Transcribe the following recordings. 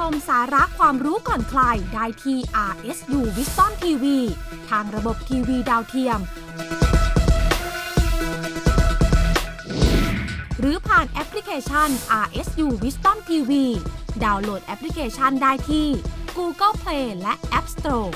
มสาระความรู้ก่อนใครได้ที่ RSU Wisdom TV ทางระบบทีวีดาวเทียม หรือผ่านแอปพลิเคชัน RSU Wisdom TV ดาวน์โหลดแอปพลิเคชันได้ที่ Google Play และ App Store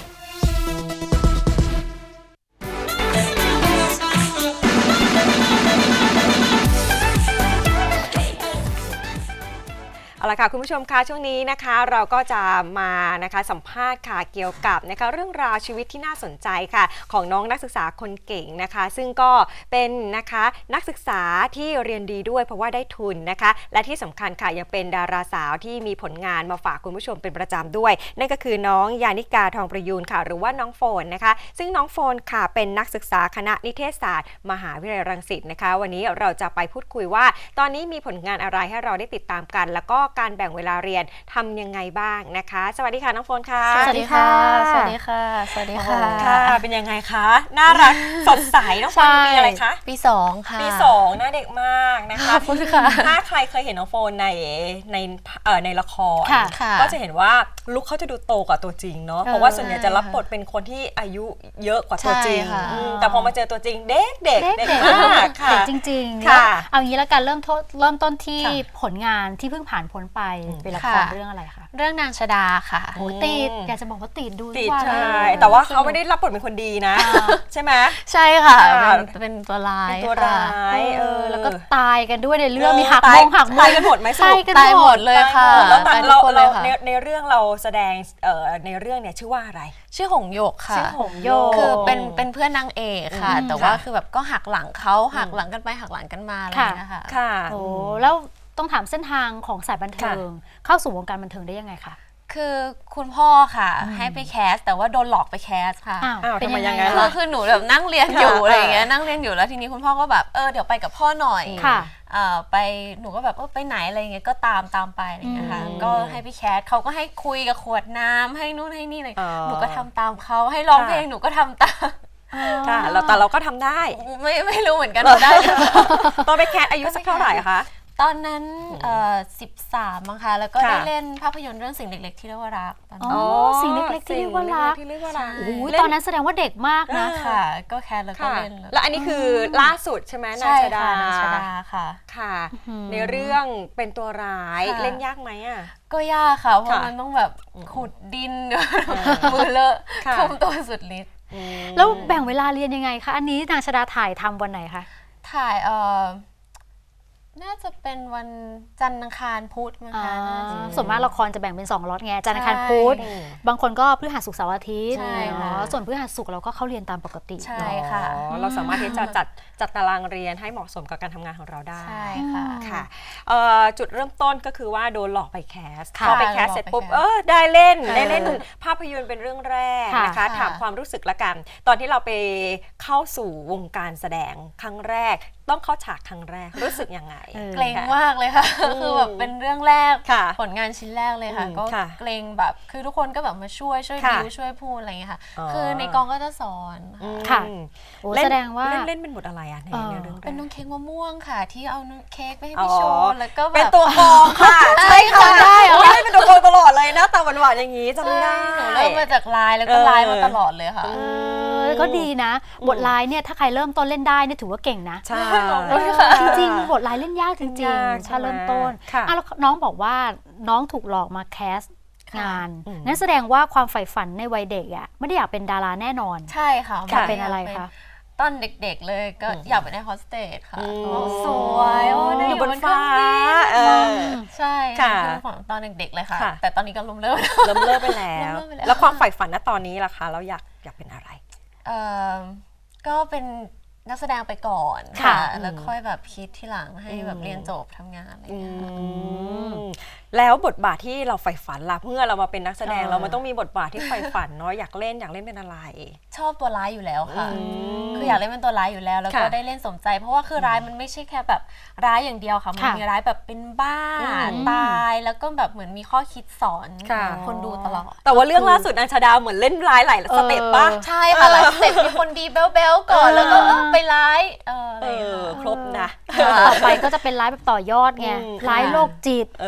เอาละค่ะคุณผู้ชมคะช่วงนี้นะคะเราก็จะมานะคะสัมภาษณ์ค่ะเกี่ยวกับนะคะเรื่องราวชีวิตที่น่าสนใจค่ะของน้องนักศึกษาคนเก่งนะคะซึ่งก็เป็นนะคะนักศึกษาที่เรียนดีด้วยเพราะว่าได้ทุนนะคะและที่สำคัญค่ะยังเป็นดาราสาวที่มีผลงานมาฝากคุณผู้ชมเป็นประจำด้วยนั่นก็คือน้องยานิกาทองประยูนค่ะหรือว่าน้องโฟนนะคะซึ่งน้องโฟนค่ะเป็นนักศึกษาคณะนิเทศศาสตร์มหาวิทยาลัยรังสิตนะคะวันนี้เราจะไปพูดคุยว่าตอนนี้มีผลงานอะไรให้เราได้ติดตามกันแล้วก็การแบ่งเวลาเรียนทำยังไงบ้างนะคะสวัสดีค่ะน้องโฟนค่ะสวัสดีค่ะสวัสดีค่ะสวัสดีค่ะค่ะเป็นยังไงคะน่ารักสดใสน้องโฟนปีอะไรคะปี2ค่ะปี2หน้าเด็กมากนะคะถ้าใครเคยเห็นน้องโฟนในละครก็จะเห็นว่าลุคเขาจะดูโตกว่าตัวจริงเนาะเพราะว่าส่วนใหญ่จะรับบทเป็นคนที่อายุเยอะกว่าตัวจริงแต่พอมาเจอตัวจริงเด็กมากค่ะเด็กจริงๆค่ะเอางี้แล้วกันเริ่มต้นที่ผลงานที่เพิ่งผ่านพ้นไปเป็นละครเรื่องอะไรคะเรื่องนางชดาค่ะโอ้ติดอยากจะบอกว่าติดดูติดใช่แต่ว่าเขาไม่ได้รับบทเป็นคนดีนะใช่ไหมใช่ค่ะเป็นตัวร้ายแล้วก็ตายกันด้วยในเรื่องมีหักมงหักมุมตายกันหมดไหมตายหมดเลยค่ะแล้วเราในเรื่องเราแสดงในเรื่องเนี่ยชื่อว่าอะไรชื่อหงโยกค่ะชื่อหงโยกคือเป็นเพื่อนนางเอกค่ะแต่ว่าคือแบบก็หักหลังเขาหักหลังกันไปหักหลังกันมาอะไรอย่างเงี้ยค่ะโอ้แล้วต้องถามเส้นทางของสายบันเทิงเข้าสู่วงการบันเทิงได้ยังไงคะคือคุณพ่อค่ะให้ไปแคสแต่ว่าโดนหลอกไปแคสค่ะเป็นยังไงคือหนูแบบนั่งเรียนอยู่อะไรอย่างเงี้ยนั่งเรียนอยู่แล้วทีนี้คุณพ่อก็แบบเดี๋ยวไปกับพ่อหน่อยไปหนูก็แบบไปไหนอะไรเงี้ยก็ตามไปอะไรเงี้ยค่ะก็ให้ไปแคสเขาก็ให้คุยกับขวดน้ำให้นู่นให้นี่เลยหนูก็ทำตามเขาให้ร้องเพลงหนูก็ทำตามค่ะแต่เราก็ทำได้ไม่รู้เหมือนกันได้ตอนไปแคสอายุสักเท่าไหร่คะตอนนั้น13มั้งคะแล้วก็ได้เล่นภาพยนตร์เรื่องสิ่งเล็กๆที่เรียกว่ารักสิ่งเล็กๆที่เรียกว่ารักตอนนั้นแสดงว่าเด็กมากนะค่ะก็แคสแล้วก็เล่นแล้วอันนี้คือล่าสุดใช่ไหมนางชดาค่ะค่ะในเรื่องเป็นตัวร้ายเล่นยากไหมอ่ะก็ยากค่ะเพราะมันต้องแบบขุดดินมือเลอะทุ่มตัวสุดฤทธิ์แล้วแบ่งเวลาเรียนยังไงคะอันนี้นางชดาถ่ายทำวันไหนคะถ่ายน่าจะเป็นวันจันทร์อังคารพุธมั้งคะส่วนมากละครจะแบ่งเป็น2ล็อตไงจันทร์อังคารพุธบางคนก็พฤหัสศุกร์เสาร์อาทิตย์ส่วนพฤหัสศุกร์เราก็เข้าเรียนตามปกติใช่ค่ะเราสามารถที่จะจัดตารางเรียนให้เหมาะสมกับการทำงานของเราได้ใช่ค่ะค่ะจุดเริ่มต้นก็คือว่าโดนหลอกไปแคสพอไปแคสเสร็จปุ๊บได้เล่นภาพยนตร์เป็นเรื่องแรกนะคะถามความรู้สึกละกันตอนที่เราไปเข้าสู่วงการแสดงครั้งแรกต้องเข้าฉากครั้งแรกรู้สึกยังไงเกรงมากเลยค่ะคือแบบเป็นเรื่องแรกผลงานชิ้นแรกเลยค่ะก็เกรงแบบคือทุกคนก็แบบมาช่วยบิวช่วยพูดอะไรอย่างเงี้ยค่ะคือในกองก็จะสอนค่ะแสดงว่าเล่นเป็นบทอะไรอะในเรื่องเป็นน้องเค้กมะม่วงค่ะที่เอาเค้กไปให้พี่โชว์แล้วก็เป็นตัวกองค่ะใช่ค่ะได้เป็นตัวกองตลอดเลยนะตาหวานๆอย่างนี้จำได้หนูเริ่มมาจากไลน์แล้วก็ไลน์มาตลอดเลยค่ะก็ดีนะบทไลน์เนี่ยถ้าใครเริ่มต้นเล่นได้เนี่ยถือว่าเก่งนะใช่จริงๆบทไลน์เล่นยากจริงๆถ้าเริ่มต้นแล้วน้องบอกว่าน้องถูกหลอกมาแคสงานนั่นแสดงว่าความใฝ่ฝันในวัยเด็กอ่ะไม่ได้อยากเป็นดาราแน่นอนใช่ค่ะอยากเป็นอะไรคะตอนเด็กๆเลยก็อยากเป็นแอร์โฮสเตสค่ะสวยได้อยู่บนฟ้าใช่ค่ะตอนเด็กๆเลยค่ะแต่ตอนนี้ก็ล้มเลิกไปแล้วแล้วความใฝ่ฝันณตอนนี้ล่ะคะเราอยากเป็นอะไรก็เป็นนักแสดงไปก่อนค่ะแล้วค่อยแบบคิดที่หลังให้แบบเรียนจบทำงานอะไรอย่างเงี้ยแล้วบทบาทที่เราใฝ่ฝันล่ะเมื่อเรามาเป็นนักแสดงเรามันต้องมีบทบาทที่ใฝ่ฝันเนาะอยากเล่นเป็นอะไรชอบตัวร้ายอยู่แล้วค่ะคืออยากเล่นเป็นตัวร้ายอยู่แล้วแล้วก็ได้เล่นสมใจเพราะว่าคือร้ายมันไม่ใช่แค่แบบร้ายอย่างเดียวค่ะมันมีร้ายแบบเป็นบ้าตายแล้วก็แบบเหมือนมีข้อคิดสอนคนดูตลอดแต่ว่าเรื่องล่าสุดนางชดาเหมือนเล่นร้ายหลายสเต็ปป่ะใช่ค่ะหลายสเต็ปมีคนดีเบลก่อนแล้วก็ไปร้ายครบนะต่อไปก็จะเป็นร้ายแบบต่อยอดไงร้ายโรคจิตร้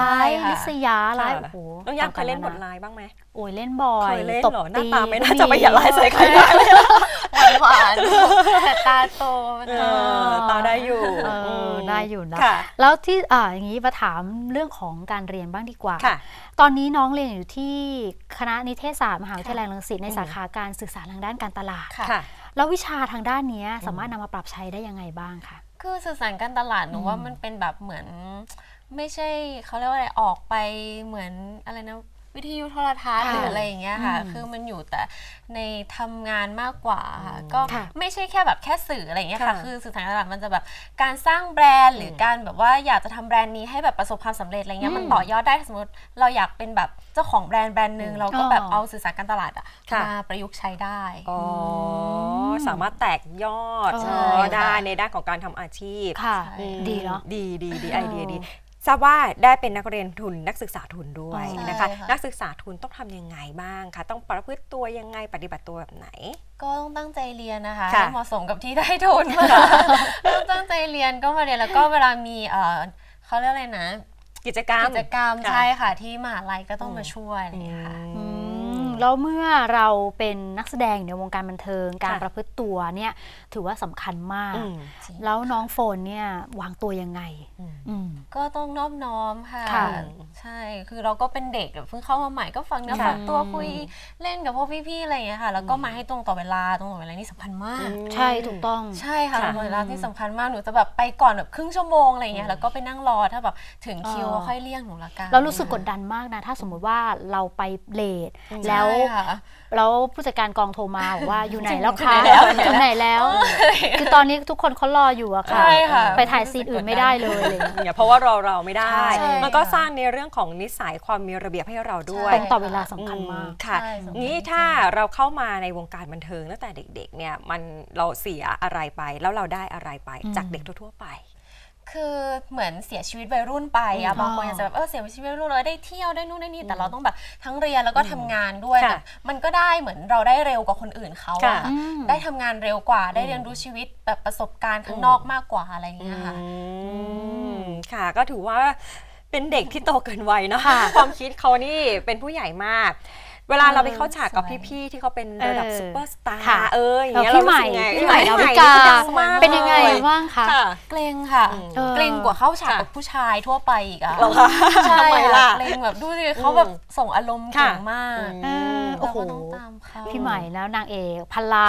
ร้ายค่ะลิษยาร้ายค่ะโอ้โหน้องยามเคยเล่นบทต่างๆร้ายบ้างไหมโอ้ยเล่นบ่อยเคยเล่นตบเหรอหน้าตีตาไม่น่าก็จะไปอย่าร้ายใส่ใครได้หวานๆแต่ตาโตมันตาได้อยู่ได้อยู่นะค่ะแล้วที่อย่างนี้มาถามเรื่องของการเรียนบ้างดีกว่าค่ะตอนนี้น้องเรียนอยู่ที่คณะนิเทศศาสตร์มหาวิทยาลัยรังสิตในสาขาการสื่อสารทางด้านการตลาดค่ะค่ะแล้ววิชาทางด้านนี้สามารถนำมาปรับใช้ได้ยังไงบ้างคะคือสื่อสารการตลาดหนูว่ามันเป็นแบบเหมือน ไม่ใช่เขาเรียกว่าอะไรออกไปเหมือนอะไรนะวิทยุโทรทัศน์หรืออะไรอย่างเงี้ยค่ะคือมันอยู่แต่ในทำงานมากกว่าค่ะก็ไม่ใช่แค่แบบแค่สื่ออะไรอย่างเงี้ยค่ะคือสื่อสารการตลาดมันจะแบบการสร้างแบรนด์หรือการแบบว่าอยากจะทำแบรนด์นี้ให้แบบประสบความสำเร็จอะไรเงี้ยมันต่อยอดได้สมมติเราอยากเป็นแบบเจ้าของแบรนด์หนึ่งเราก็แบบเอาสื่อสารการตลาดมาประยุกต์ใช้ได้อ๋อสามารถแตกยอดได้ในด้านของการทำอาชีพค่ะดีเนาะดีไอเดียดีทราบว่าได้เป็นนักเรียนทุนนักศึกษาทุนด้วยนะคะนักศึกษาทุนต้องทำยังไงบ้างคะต้องประพฤติตัวยังไงปฏิบัติตัวแบบไหนก็ต้องตั้งใจเรียนนะคะให้เหมาะสมกับที่ได้ทุนต้องตั้งใจเรียนก็มาเรียนแล้วก็เวลามีเขาเรียกอะไรนะกิจกรรมใช่ค่ะที่มหาลัยก็ต้องมาช่วยอะไรอย่างเงี้ยค่ะแล้วเมื่อเราเป็นนักแสดงในวงการบันเทิงการประพฤติตัวเนี่ยถือว่าสำคัญมากแล้วน้องโฟนเนี่ยวางตัวยังไงก็ต้องนอบน้อมค่ะใช่คือเราก็เป็นเด็กเพิ่งเข้ามาใหม่ก็ฟังเนื้อฟังตัวคุยเล่นกับพวกพี่ๆอะไรอย่างเงี้ยค่ะแล้วก็มาให้ตรงต่อเวลานี่สำคัญมากใช่ถูกต้องใช่ค่ะเวลาที่สำคัญมากหนูจะแบบไปก่อนแบบครึ่งชั่วโมงอะไรอย่างเงี้ยแล้วก็ไปนั่งรอถ้าแบบถึงคิวค่อยเรียกหนูละกันเรารู้สึกกดดันมากนะถ้าสมมุติว่าเราไปเลทแล้วผู้จัดการกองโทรมาบอกว่าอยู่ไหนแล้วคะถึงไหนแล้วคือตอนนี้ทุกคนเขารออยู่อะค่ะไปถ่ายซีนอื่นไม่ได้เลยเพราะว่าเราไม่ได้มันก็สร้างในเรื่องของนิสัยความมีระเบียบให้เราด้วยตรงต่อเวลาสำคัญมากค่ะงี้ถ้าเราเข้ามาในวงการบันเทิงตั้งแต่เด็กๆเนี่ยเราเสียอะไรไปแล้วเราได้อะไรไปจากเด็กทั่วๆไปคือเหมือนเสียชีวิตวัยรุ่นไปอะบางคนอาจจะแบบเสียชีวิตวัยรุ่นเลยได้เที่ยวได้นู่นได้นี่แต่เราต้องแบบทั้งเรียนแล้วก็ทำงานด้วยแต่มันก็ได้เหมือนเราได้เร็วกว่าคนอื่นเขาอะได้ทำงานเร็วกว่าได้เรียนรู้ชีวิตแบบประสบการณ์ข้างนอกมากกว่าอะไรอย่างเงี้ยค่ะค่ะก็ถือว่าเป็นเด็กที่โตเกินวัยเนาะความคิดเขานี่เป็นผู้ใหญ่มากเวลาเราไปเข้าฉากกับพี่ๆที่เขาเป็นระดับซุปเปอร์สตาร์อย่างเงี้ยเรารู้สึกไงพี่ใหม่ดาวิกาเป็นยังไงบ้างคะเกรงค่ะเกรงกว่าเข้าฉากกับผู้ชายทั่วไปอีกอะใช่เกรงแบบดูสิเขาแบบส่งอารมณ์เก่งมากโอ้โหพี่ใหม่แล้วนางเอกพันล้าน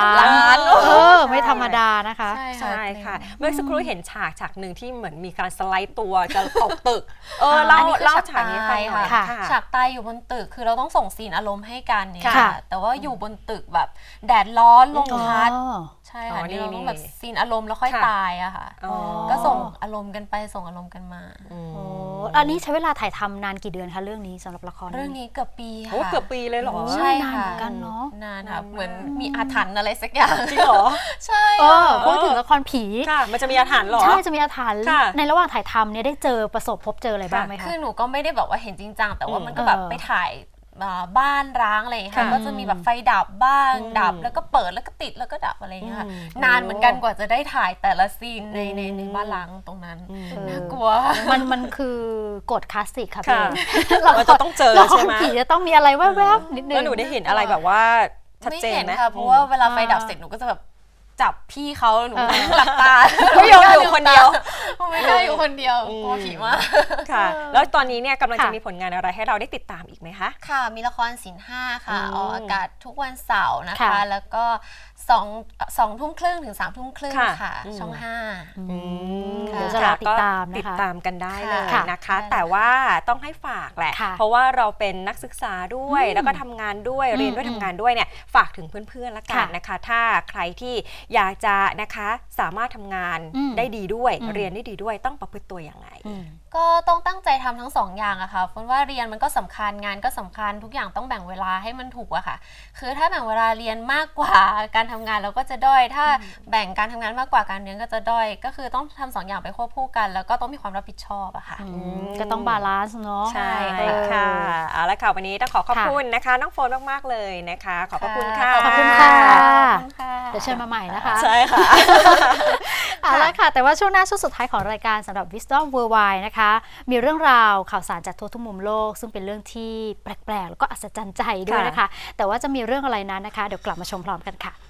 ไม่ธรรมดานะคะใช่ค่ะเมื่อสักครู่เห็นฉากหนึ่งที่เหมือนมีการสไลด์ตัวจะตกตึกเล่าฉากนี้ไปค่ะฉากตายอยู่บนตึกคือเราต้องส่งซีนอารมณ์ให้กันเนี่ยแต่ว่าอยู่บนตึกแบบแดดร้อนลมพัดใช่ค่ะนี่เราต้องแบบซีนอารมณ์แล้วค่อยตายอะค่ะก็ส่งอารมณ์กันไปส่งอารมณ์กันมาอันนี้ใช้เวลาถ่ายทำนานกี่เดือนคะเรื่องนี้สำหรับละครเรื่องนี้เกือบปีค่ะเกือบปีเลยเหรอใช่ค่ะนานกันเนาะนานค่ะเหมือนมีอาถรรพ์อะไรสักอย่างจริงเหรอใช่พูดถึงละครผีมันจะมีอาถรรพ์เหรอใช่จะมีอาถรรพ์ในระหว่างถ่ายทำเนี่ยได้เจอพบเจออะไรบ้างไหมคะคือหนูก็ไม่ได้แบบว่าเห็นจริงจังแต่ว่ามันก็แบบไปถ่ายบ้านร้างอะไรค่ะก็จะมีแบบไฟดับบ้างดับแล้วก็เปิดแล้วก็ติดแล้วก็ดับอะไรอย่างเงี้ยค่ะนานเหมือนกันกว่าจะได้ถ่ายแต่ละซีนในบ้านร้างตรงนั้นน่ากลัวมันคือกฎคลาสสิกค่ะพี่เราจะต้องเจอใช่ไหมผีจะต้องมีอะไรแวบๆนิดนึงแล้วหนูได้เห็นอะไรแบบว่าชัดเจนไหมค่ะเพราะว่าเวลาไฟดับเสร็จหนูก็จะแบบจับพี่เขาหนูหลับตาไม่ยอมอยู่คนเดียวไม่ได้อยู่คนเดียวกลัวผีมากค่ะแล้วตอนนี้เนี่ยกำลังจะมีผลงานอะไรให้เราได้ติดตามอีกไหมคะค่ะมีละครศีล5ค่ะออกอากาศทุกวันเสาร์นะคะแล้วก็2 ทุ่มครึ่งถึง3 ทุ่มครึ่งค่ะช่อง5 เดี๋ยวจะติดตามกันได้เลยนะคะแต่ว่าต้องให้ฝากแหละเพราะว่าเราเป็นนักศึกษาด้วยแล้วก็ทำงานด้วยเรียนด้วยทำงานด้วยเนี่ยฝากถึงเพื่อนๆละกันนะคะถ้าใครที่อยากจะนะคะสามารถทำงานได้ดีด้วยเรียนได้ดีด้วยต้องประพฤติตัวอย่างไรก็ต้องตั้งใจทำทั้ง2อย่างอะค่ะเพราะว่าเรียนมันก็สำคัญงานก็สำคัญทุกอย่างต้องแบ่งเวลาให้มันถูกอะค่ะคือถ้าแบ่งเวลาเรียนมากกว่าการทำงานเราก็จะด้อยถ้าแบ่งการทำงานมากกว่าการเรียนก็จะด้อยก็คือต้องทำ2อย่างไปควบคู่กันแล้วก็ต้องมีความรับผิดชอบอะค่ะก็ต้องบาลานซ์เนาะใช่ค่ะเอาละค่ะวันนี้ต้องขอบคุณนะคะน้องโฟนมากๆเลยนะคะขอบคุณค่ะขอบคุณค่ะเดี๋ยวเชิญมาใหม่นะคะใช่ค่ะเอาละค่ะแต่ว่าช่วงหน้าช่วงสุดท้ายของรายการสำหรับ Wisdom Worldwide นะคะมีเรื่องราวข่าวสารจากทั่วทุกมุมโลกซึ่งเป็นเรื่องที่แปลกๆแล้วก็อัศจรรย์ใจด้วยนะคะแต่ว่าจะมีเรื่องอะไรนั้นนะคะเดี๋ยวกลับมาชมพร้อมกันค่ะ